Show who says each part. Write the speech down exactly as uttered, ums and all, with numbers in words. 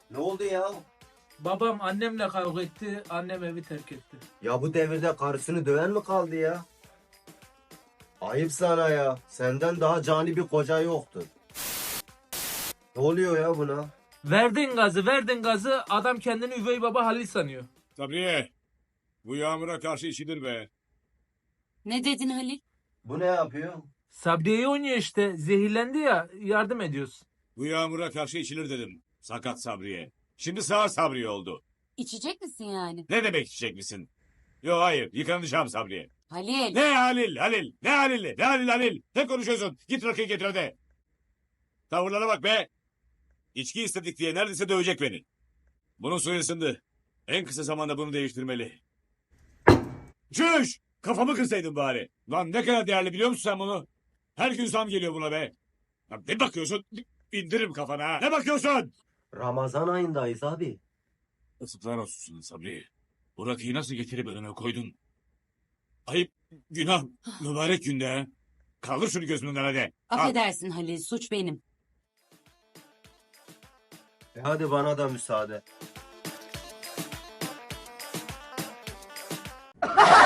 Speaker 1: Ne oldu ya?
Speaker 2: Babam annemle kavga etti, annem evi terk etti.
Speaker 1: Ya bu devirde karısını döven mi kaldı ya? Ayıp sana ya. Senden daha cani bir koca yoktu. Ne oluyor ya buna?
Speaker 2: Verdin gazı, verdin gazı, adam kendini üvey baba Halil sanıyor.
Speaker 3: Sabriye, bu yağmura karşı içilir be.
Speaker 4: Ne dedin Halil?
Speaker 1: Bu ne yapıyor?
Speaker 2: Sabriye'yi oynuyor işte, zehirlendi ya, yardım ediyoruz.
Speaker 3: Bu yağmura karşı içilir dedim. Sakat Sabriye. Şimdi sağır Sabriye oldu.
Speaker 4: İçecek misin yani?
Speaker 3: Ne demek içecek misin? Yok hayır, yıkanacağım Sabriye.
Speaker 4: Halil.
Speaker 3: Ne Halil, Halil, ne Halil, ne Halil, Halil. Ne konuşuyorsun? Git rakıyı getir hadi. Tavırlara bak be. İçki istedik diye neredeyse dövecek beni. Bunun suyu ısındı. En kısa zamanda bunu değiştirmeli. Çüş! Kafamı kırsaydın bari. Lan ne kadar değerli biliyor musun sen bunu? Her gün zam geliyor buna be. Ya ne bakıyorsun? İndiririm kafana ha. Ne bakıyorsun?
Speaker 1: Ramazan ayındayız abi.
Speaker 3: Yazıklar olsun Sabri. Bu rakıyı nasıl getirip önüme koydun? Ayıp, günah, mübarek günde ha. Kaldır şunu gözümden hadi. Al.
Speaker 4: Affedersin Halil, suç benim.
Speaker 1: E hadi bana da müsaade.